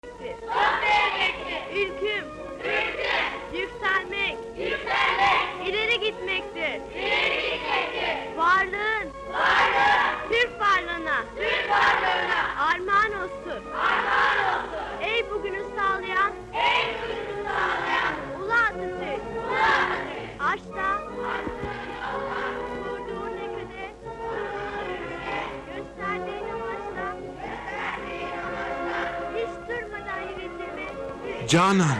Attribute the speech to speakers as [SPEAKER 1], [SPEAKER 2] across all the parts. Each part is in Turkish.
[SPEAKER 1] Çok sevmektir. Ülküm. Yükselmek. İleri gitmektir. Varlığın. Türk varlığına. Armağan olsun. Ey bugünü sağlayan. Ulu Atatürk. Aşkta. Kurduğun ülkede. Gösterdiğin amaçla. Hiç durmadan yürütülme.
[SPEAKER 2] Canan!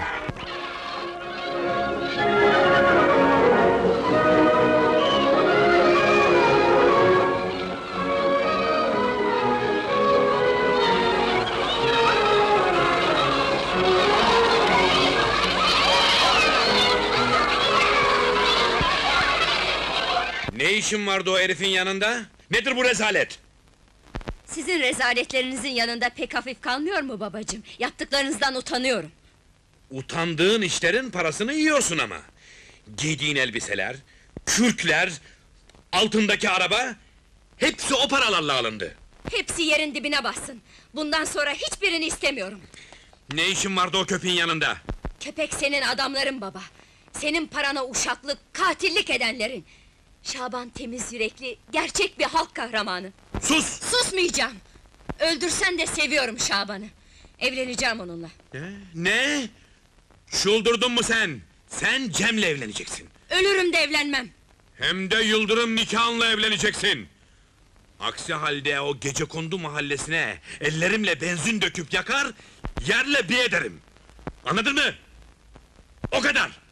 [SPEAKER 3] Ne işin vardı o herifin yanında? Nedir bu rezalet?
[SPEAKER 4] Sizin rezaletlerinizin yanında pek hafif kalmıyor mu babacığım? Yaptıklarınızdan utanıyorum.
[SPEAKER 3] Utandığın işlerin parasını yiyorsun ama. Giydiğin elbiseler, kürkler, altındaki araba... ...hepsi o paralarla alındı.
[SPEAKER 4] Hepsi yerin dibine bassın. Bundan sonra hiçbirini istemiyorum.
[SPEAKER 3] Ne işin vardı o köpeğin yanında?
[SPEAKER 4] Köpek senin adamların baba. Senin parana uşaklık, katillik edenlerin. Şaban temiz yürekli, gerçek bir halk kahramanı.
[SPEAKER 3] Sus!
[SPEAKER 4] Susmayacağım! Öldürsen de seviyorum Şaban'ı. Evleneceğim onunla.
[SPEAKER 3] Ne? Çıldırdın mı sen? Sen Cem'le evleneceksin.
[SPEAKER 4] Ölürüm de evlenmem.
[SPEAKER 3] Hem de Yıldırım nikahınla evleneceksin. Aksi halde o Gecekondu mahallesine ellerimle benzin döküp yakar, yerle bir ederim. Anladın mı? O kadar!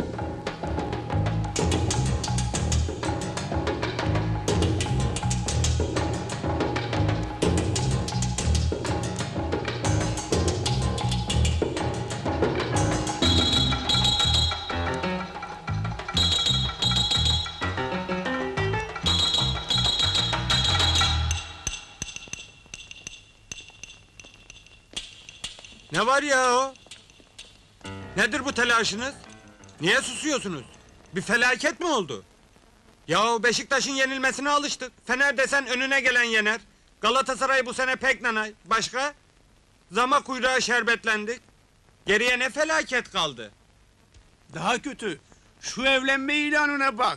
[SPEAKER 2] Ne var ya o? Nedir bu telaşınız? Niye susuyorsunuz? Bir felaket mi oldu? Yahu Beşiktaş'ın yenilmesine alıştık. Fener desen önüne gelen yener. Galatasaray bu sene pek nanay. Başka? Zama kuyruğa şerbetlendik. Geriye ne felaket kaldı?
[SPEAKER 5] Daha kötü, şu evlenme ilanına bak!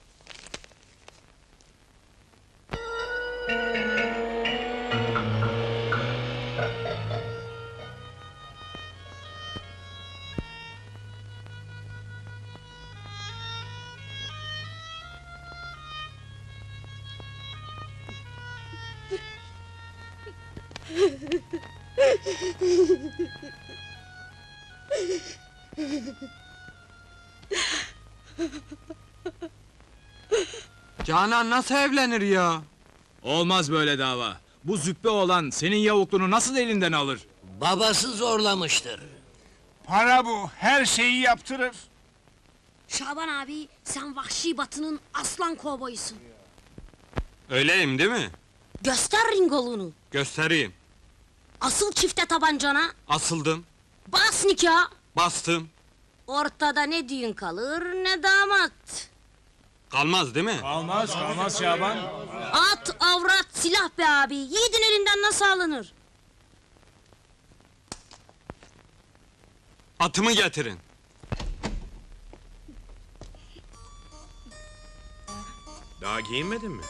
[SPEAKER 2] Canan nasıl evlenir ya?
[SPEAKER 5] Olmaz böyle dava! Bu züppe olan senin yavukluğunu nasıl elinden alır?
[SPEAKER 6] Babası zorlamıştır.
[SPEAKER 5] Para bu, her şeyi yaptırır!
[SPEAKER 7] Şaban abi, sen vahşi batının aslan kovboyusun.
[SPEAKER 2] Öyleyim değil mi?
[SPEAKER 7] Göster ringolunu.
[SPEAKER 2] Göstereyim.
[SPEAKER 7] Asıl çifte tabancana,
[SPEAKER 2] Asıldım,
[SPEAKER 7] bas nikah.
[SPEAKER 2] bastım.
[SPEAKER 7] Ortada ne düğün kalır ne damat.
[SPEAKER 2] Kalmaz değil mi?
[SPEAKER 5] Kalmaz Şaban!
[SPEAKER 7] At, avrat, silah be abi. Yiğidin elinden nasıl alınır?
[SPEAKER 2] Atımı getirin.
[SPEAKER 3] Daha giyinmedin mi?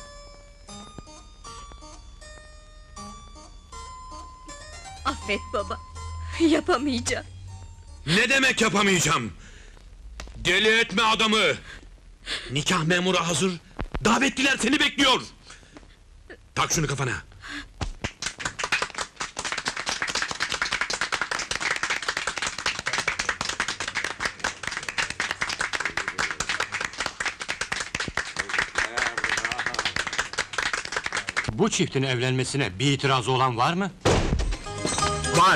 [SPEAKER 4] Affet baba. Yapamayacağım.
[SPEAKER 3] Ne demek yapamayacağım? Deli etme adamı! Nikah memuru hazır, davetliler seni bekliyor! Tak şunu kafana!
[SPEAKER 8] Bu çiftin evlenmesine bir itirazı olan var mı?
[SPEAKER 2] Var.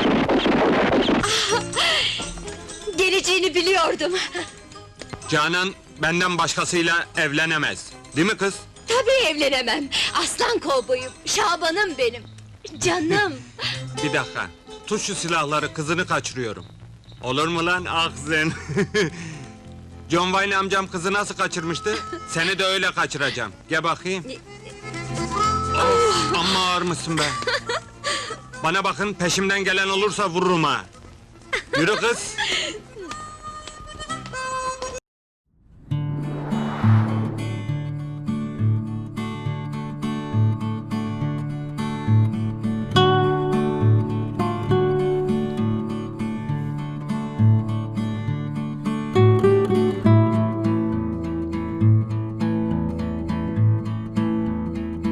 [SPEAKER 4] Geleceğini biliyordum.
[SPEAKER 2] Canan benden başkasıyla evlenemez. Değil mi kız?
[SPEAKER 4] Tabii evlenemem. Aslan kovboyum, Şaban'ım benim. Canım.
[SPEAKER 2] Bir dakika. Tut şu silahları, kızını kaçırıyorum. Olur mu lan ağzın? John Wayne amcam kızı nasıl kaçırmıştı? Seni de öyle kaçıracağım. Gel bakayım. Of, amma ağır mısın be? Bana bakın, peşimden gelen olursa vururum ha. Yürü kız.